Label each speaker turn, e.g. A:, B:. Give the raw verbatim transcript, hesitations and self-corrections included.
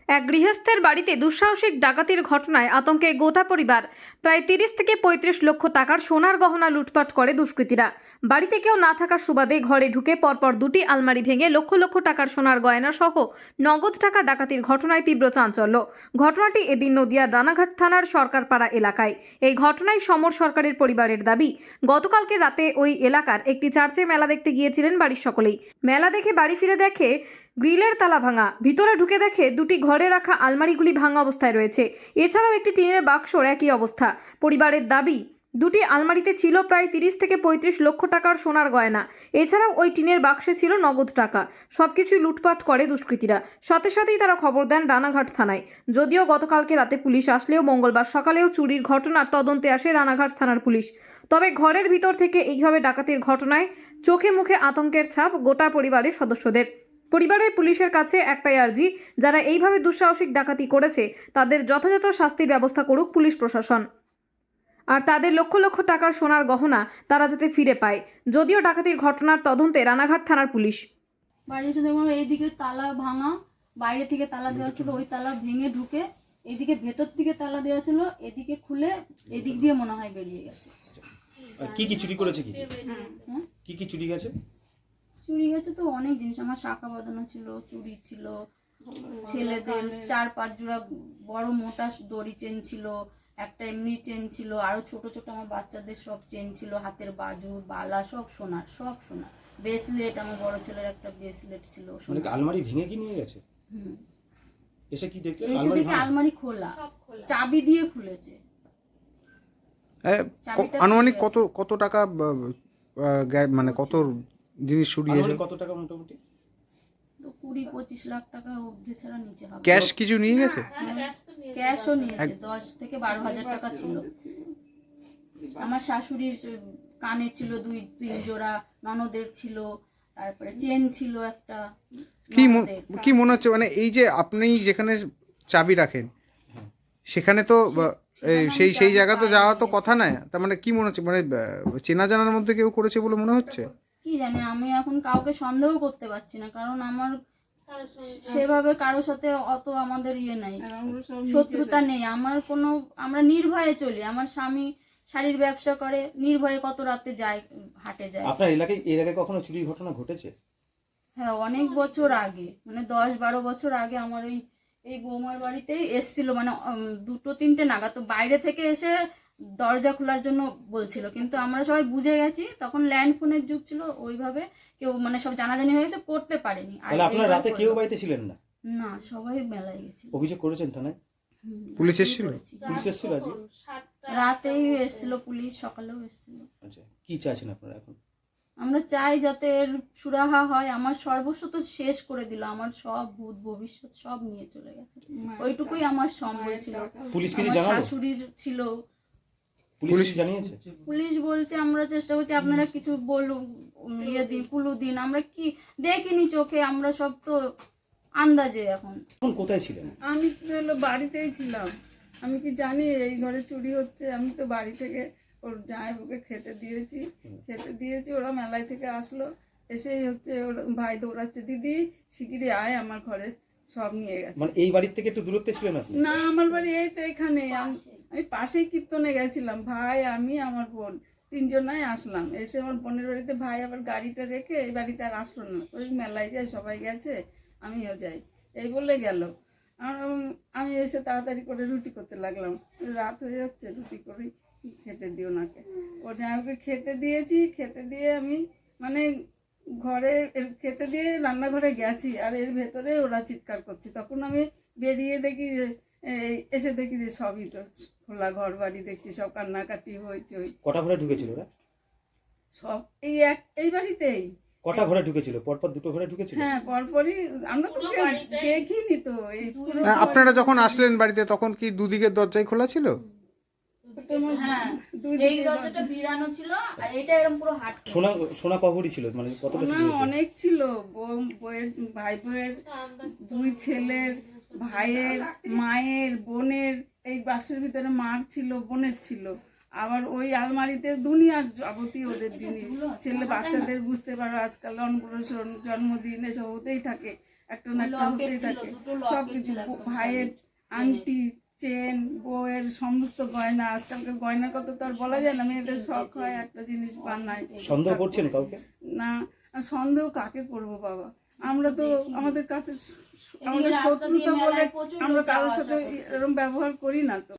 A: এক গৃহস্থের বাড়িতে দুঃসাহসিক ডাকাতির ঘটনায় আতঙ্কে গোটা পরিবার। প্রায় তিরিশ থেকে পঁয়ত্রিশ লক্ষ টাকার সোনার গহনা লুটপাট করে দুষ্কৃতীরা। বাড়িতে কেউ না থাকার সুবাদে ঘরে ঢুকে পরপর দুটি আলমারি ভেঙে লক্ষ লক্ষ টাকার সোনার গয়না সহ নগদ টাকা ডাকাতির ঘটনায় তীব্র চাঞ্চল্য। ঘটনাটি এদিন নদিয়ার রানাঘাট থানার সরকারপাড়া এলাকায়। এই ঘটনায় সমর সরকারের পরিবারের দাবি, গতকালকে রাতে ওই এলাকার একটি চার্চে মেলা দেখতে গিয়েছিলেন বাড়ির সকলেই। মেলা দেখে বাড়ি ফিরে দেখে গ্রিলের তালা ভাঙা, ভিতরে ঢুকে দেখে দুটি ঘরে রাখা আলমারিগুলি ভাঙা অবস্থায় রয়েছে। এছাড়াও একটি টিনের বাক্সর একই অবস্থা। পরিবারের দাবি, দুটি আলমারিতে ছিল প্রায় তিরিশ থেকে পঁয়ত্রিশ লক্ষ টাকার সোনার গয়না। এছাড়াও ওই টিনের বাক্সে ছিল নগদ টাকা। সবকিছুই লুটপাট করে দুষ্কৃতীরা। সাথে সাথেই তারা খবর দেন রানাঘাট থানায়। যদিও গতকালকে রাতে পুলিশ আসলেও মঙ্গলবার সকালেও চুরির ঘটনার তদন্তে আসে রানাঘাট থানার পুলিশ। তবে ঘরের ভিতর থেকে এইভাবে ডাকাতির ঘটনায় চোখে মুখে আতঙ্কের ছাপ গোটা পরিবারের সদস্যদের। পরিবারের পুলিশের কাছে একটাই আর্জি, যারা এইভাবে দুঃসাহসিক ডাকাতি করেছে তাদের যথাযথ শাস্তির ব্যবস্থা করুক পুলিশ প্রশাসন, আর তাদের লক্ষ লক্ষ টাকার সোনার গহনা তারা যাতে ফিরে পায়। যদিও ডাকাতির ঘটনার তদন্তে রানাঘাট থানার পুলিশ।
B: বাড়ি এসে দেখলাম এইদিকে তালা ভাঙা, বাইরে থেকে তালা দেওয়া ছিল, ওই তালা ভেঙে ঢুকে এদিকে ভেতর থেকে তালা দেওয়া ছিল, এদিকে খুলে এদিক দিয়ে মনে হয় বেরিয়ে গেছে।
C: কি কি চুরি করেছে? কি
B: হ্যাঁ,
C: কি কি চুরি গেছে?
B: চুরি গেছে তো অনেক জিনিস। আমার শাখা বাঁধানো ছিল, চুড়ি ছিল, ছেলেদের চার পাঁচ জোড়া বড় মোটা দড়ি চেন ছিল, একটা এমনি চেন ছিল, আরো ছোট ছোট আমার বাচ্চাদের সব চেন ছিল, হাতের বাজু বালা সব সোনার, সব সোনার। ব্রেসলেট, আমার বড় ছেলের একটা ব্রেসলেট ছিল।
C: মানে আলমারি ভেঙে কি নিয়ে গেছে?
B: হুম,
C: এসে কি দেখলে?
B: এসে দেখে আলমারি খোলা, চাবি দিয়ে খুলেছে।
D: আনুমানিক কত কত টাকা মানে কত জিনিস চুরি হয়েছে?
C: কত টাকা মোটামুটি?
B: তো কুড়ি পঁচিশ লাখ টাকার ঊর্ধ্বে ছাড়া নিচে হবে।
D: ক্যাশ কিছু নিয়ে গেছে?
B: ক্যাশও নিয়েছে, দশ থেকে বারো হাজার টাকা ছিল। আমার শাশুড়ির কানের ছিল দুই তিন জোড়া, ননদের ছিল, তারপরে চেন ছিল একটা।
D: কি কি মনে হচ্ছে, মানে এই যে আপনি যেখানে চাবি রাখেন সেখানে তো সেই সেই জায়গা তো যাওয়ার তো কথা না, তার মানে কি মনে হচ্ছে, মানে চেনা জানার মধ্যে কেউ করেছে বলে মনে হচ্ছে?
B: কি জানি, আমি এখন কাউকে সন্দেহ করতে পারছি না, কারণ আমার সেভাবে কারোর সাথে অত আমাদের ইয়ে নাই, শত্রুতা নেই আমার কোনো। আমরা নির্ভয়ে চলি। আমার স্বামী শাড়ির ব্যবসা করে, নির্ভয়ে কত রাতে যায়, হাটে যায়।
C: আপনার এলাকায় এর আগে কখনো চুরির ঘটনা ঘটেছে?
B: হ্যাঁ, অনেক বছর আগে, মানে দশ বারো বছর আগে আমার ওই এই বৌমার বাড়িতেই এসছিল, মানে দুটো তিনটে নাগাদ। তো বাইরে থেকে এসে দরজা খোলার জন্য বলছিল, কিন্তু আমরা সবাই বুঝে গেছি, তখন ল্যান্ড ফোনের যুগ ছিল, ওইভাবে কেউ মানে সব জানাজানি হয়ে গেছে, করতে পারেনি। আর
C: আপনারা রাতে কেউ বাড়িতে ছিলেন না?
B: না, সবাই মেলায় গেছিল।
C: অভিযোগ করেছেন থানায়?
D: পুলিশ এসেছিল?
C: পুলিশ এসেছিল আজকে
B: রাতেই এসেছিল পুলিশ, সকালেও এসেছিল।
C: আচ্ছা, কি চাইছেন আপনারা এখন?
B: আমরা চাই যাতে এর সুরাহা হয়। আমার সর্বস্ব তো শেষ করে দিল, আমার সব ভূত ভবিষ্যৎ সব নিয়ে চলে গেছে। ওইটুকুই আমার সম্বল ছিল।
C: পুলিশ কিছু
B: আমার
C: জানালো?
B: শাশুড়ির ছিল।
C: পুলিশ জানিয়েছে?
B: পুলিশ বলছে আমরা চেষ্টা করছি, আপনারা কিছু বলুন, ইয়ে দিন, কুলু দিন। আমরা কি দেখিনি চোখে, আমরা সব তো আন্দাজে। এখন
C: এখন কোথায় ছিলেন?
E: আমি হলো বাড়িতেই ছিলাম। আমি কি জানি এই ঘরে চুরি হচ্ছে? আমি তো বাড়ি থেকে ওর জামাইবাবুকে খেতে দিয়েছি, খেতে দিয়েছি ওরা মেলায় থেকে আসলো, এসেই হচ্ছে ওর ভাই দৌড়াচ্ছে, দিদি শিগগিরই আয় আমার ঘরে, সব নিয়ে গেছে।
C: মানে এই বাড়ির থেকে একটু দূরত্বে ছিলেন আপনি?
E: না, আমার বাড়ি এই তো এখানে। আমি পাশেই কীর্তনে গেছিলাম, ভাই আমি আমার বোন তিনজনাই আসলাম। এসে আমার বোনের বাড়িতে ভাই আবার গাড়িটা রেখে এই বাড়িতে আর আসলো না, ওই মেলায় যায়, সবাই গেছে আমিও যাই, এই বলে গেল। আমি এসে তাড়াতাড়ি করে রুটি করতে লাগলাম, রাত হয়ে যাচ্ছে, রুটি করি খেতে দিও নাকে। ওর জামাইকে খেতে দিয়েছি, খেতে দিয়ে আমি মানে ঘরে খেতে দিয়ে রান্নাঘরে গেছি, আর এর ভেতরে ওরা চিৎকার করছে। তখন আমি বেরিয়ে দেখি যে এসে দেখি যে সবই তো খোলা, ঘর বাড়ি দেখছি সব কান্নাকাটি হয়েছে। ওই
C: কটা ঘরে ঢুকেছিল ওরা?
E: সব এই এক এই বাড়িতেই।
C: কটা ঘরে ঢুকেছিল? পরপর দুটো ঘরে ঢুকেছিল?
E: হ্যাঁ, পরপরই। আমরা তো দেখিনি তো। এই
D: আপনারা যখন আসলেন বাড়িতে তখন কি দুদিকের দরজাই খোলা ছিল?
B: হ্যাঁ, এই দরজাটা ভিড়ানো ছিল, আর এটা এরকম পুরো হাট।
C: সোনা সোনা কভরি ছিল, মানে কতটা ছিল?
E: অনেক ছিল। বউয়ের, ভাই বউয়ের, দুই ছেলের, ভাইয়ের, মায়ের, বোনের। এই বাক্সের ভিতরে মার ছিল, বোনের ছিল। আবার ওই আলমারিতে দুনিয়ার যাবতীয় ওদের জিনিস, ছেলে বাচ্চাদের, বুঝতে পারো আজকাল অন্নপ্রাশন, জন্মদিন এসব হতেই থাকে। একটা না একটা
B: লকেট
E: হতেই
B: ছিল,
E: থাকে
B: দুটো লকেট
E: সবকিছু
B: ছিল একদম
E: ভাইয়ের
B: শাড়ির
E: আংটি চেন বউয়ের সমস্ত গয়না, আজকালকার গয়নার কথা তো আর বলা যায় না, মেয়েদের শখ হয় একটা জিনিস বানায়।
C: সন্দেহ করছেন কাউকে?
E: না আর সন্দেহ কাকে করবো বাবা, আমরা তো আমাদের কাছে স- আমাদের
B: রাস্তা দিয়ে
E: শত্রুতা বলে
B: মেলায় প্রচুর
E: আমরা
B: লোক
E: কারোর
B: যাওয়া
E: সাথে
B: আসা করছে।
E: এরকম ব্যবহার করি না তো।